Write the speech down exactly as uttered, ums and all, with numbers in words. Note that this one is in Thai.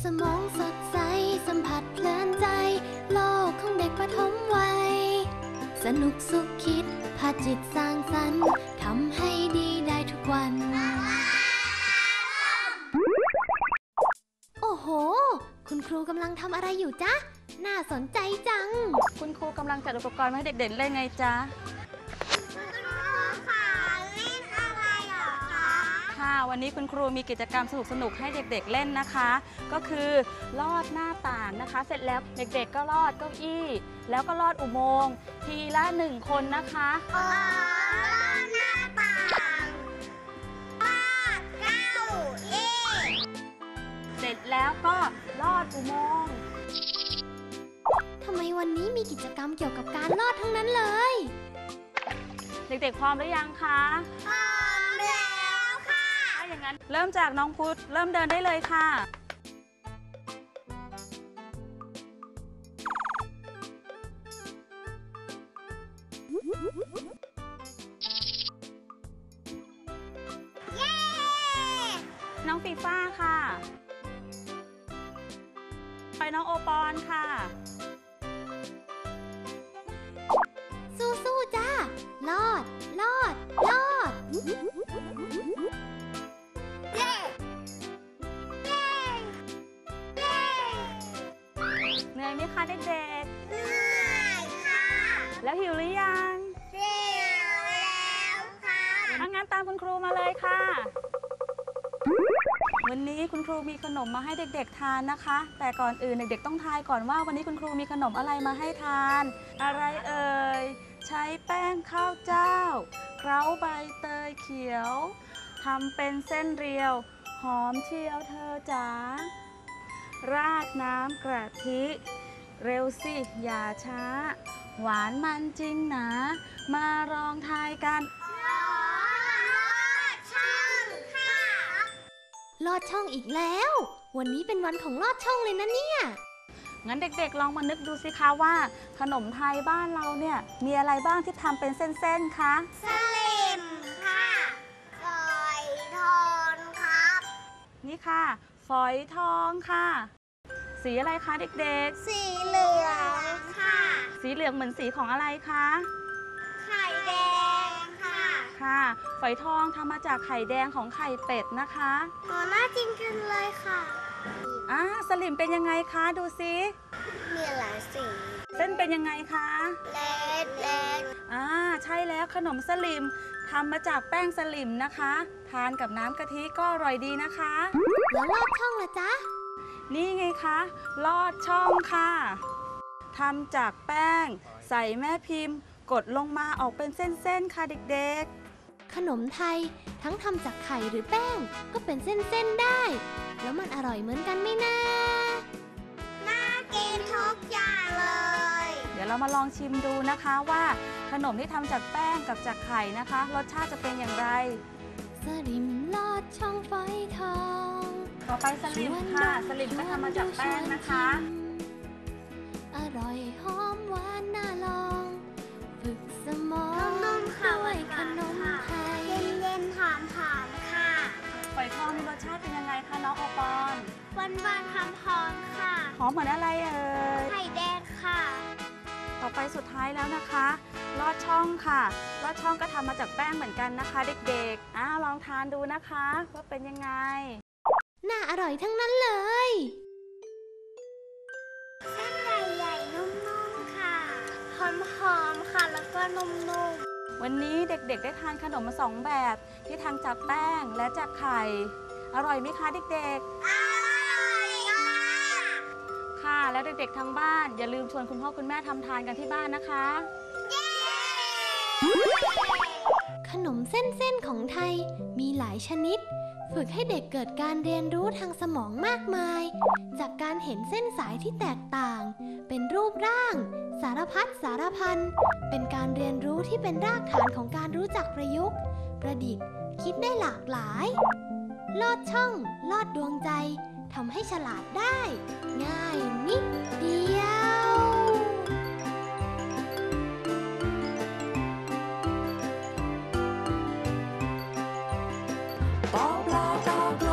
สมองสดใสสัมผัสเพลินใจโลกของเด็กประถมวัยสนุกสุขคิดพาจิตสร้างสรรค์ทำให้ดีได้ทุกวันโอ้โหคุณครูกำลังทำอะไรอยู่จ๊ะน่าสนใจจังคุณครูกำลังจัดอุปกรณ์มาให้เด็กๆเล่นไงจ๊ะค่ะวันนี้คุณครูมีกิจกรรมสนุกๆให้เด็กๆเล่นนะคะก็คือลอดหน้าต่างนะคะเสร็จแล้วเด็กๆก็ลอดเก้าอี้แล้วก็ลอดอุโมงค์ทีละหนึ่งคนนะคะลอดหน้าต่างลอดเก้าอี้เสร็จแล้วก็ลอดอุโมงค์ทำไมวันนี้มีกิจกรรมเกี่ยวกับการลอดทั้งนั้นเลยเด็กๆพร้อมหรือยังคะพร้อมแล้วค่ะถ้าอย่างนั้นเริ่มจากน้องพุทธเริ่มเดินได้เลยค่ะเย้น้องฟีฟ้าค่ะไปน้องโอปอนค่ะสู้ๆจ้าลอดลอดลอดเย้เย้เย้เหนื่อยไหมคะเด็กเหนื่อยค่ะๆแล้วหิวหรือยังหิวแล้วค่ะถ้างั้นตามคุณครูมาเลยค่ะวันนี้คุณครูมีขนมมาให้เด็กๆทานนะคะแต่ก่อนอื่นเด็กๆต้องทายก่อนว่าวันนี้คุณครูมีขนมอะไรมาให้ทานอะไรเอ่ยใช้แป้งข้าวเจ้าเคล้าใบเตยเขียวทำเป็นเส้นเรียวหอมเชียวเธอจ๋าราดน้ำกะทิเร็วสิอย่าช้าหวานมันจริงหนามาลองทายกันลอดช่องอีกแล้ววันนี้เป็นวันของลอดช่องเลยนะเนี่ยงั้นเด็กๆลองมานึกดูสิคะว่าขนมไทยบ้านเราเนี่ยมีอะไรบ้างที่ทำเป็นเส้นๆคะสลิมค่ะฝอยทองครับนี่ค่ะฝอยทองค่ะสีอะไรคะเด็กๆสีเหลืองค่ะสีเหลืองเหมือนสีของอะไรคะไข่แดงค่ะค่ะฝอยทองทำมาจากไข่แดงของไข่เป็ดนะคะอ๋อน่ากินกันเลยค่ะอ่าสลิมเป็นยังไงคะดูซิมีหลายสีเส้นเป็นยังไงคะเล็กเล็กอ่าใช่แล้วขนมสลิมทำมาจากแป้งสลิมนะคะทานกับน้ำกะทิก็อร่อยดีนะคะแล้วลอดช่องล่ะจ๊ะนี่ไงคะลอดช่องค่ะทำจากแป้งใส่แม่พิมพ์กดลงมาออกเป็นเส้นๆค่ะเด็กๆขนมไทยทั้งทำจากไข่หรือแป้งก็เป็นเส้นๆได้แล้วมันอร่อยเหมือนกันไหมนะน่ากินทุกอย่างเลยเดี๋ยวเรามาลองชิมดูนะคะว่าขนมที่ทำจากแป้งกับจากไข่นะคะรสชาติจะเป็นอย่างไรสลิมลอดช่องฝอยทองต่อไปสลิมค่ะสลิมก็ทำมาจากแป้งนะคะอร่อยหอมหวานน่าลองฝึกสมองด้วยขนมไทยเย็นๆหอมๆค่ะฝอยทองมีรสชาติเป็นยังไงคะน้องโอปอนหวานๆหอมๆค่ะหอมเหมือนอะไรเอ่ยไข่แดงค่ะต่อไปสุดท้ายแล้วนะคะลอดช่องค่ะลอดช่องก็ทำมาจากแป้งเหมือนกันนะคะเด็กๆอ่าลองทานดูนะคะว่าเป็นยังไงน่าอร่อยทั้งนั้นเลยเส้นใหญ่ๆนุ่มๆค่ะหอมๆค่ะแล้วก็นุ่มๆวันนี้เด็กๆได้ทานขนมมาสองแบบที่ทำจากแป้งและจากไข่อร่อยไหมคะเด็กๆอร่อยค่ะค่ะแล้วเด็กๆทางบ้านอย่าลืมชวนคุณพ่อคุณแม่ทำทานกันที่บ้านนะคะเย้ขนมเส้นๆของไทยมีหลายชนิดฝึกให้เด็กเกิดการเรียนรู้ทางสมองมากมายจากการเห็นเส้นสายที่แตกต่างเป็นรูปร่างสารพัดสารพันเป็นการเรียนรู้ที่เป็นรากฐานของการรู้จักประยุกต์ประดิษฐ์คิดได้หลากหลายลอดช่องลอดดวงใจทำให้ฉลาดได้ง่ายนิดเดียวปอปลาตอปล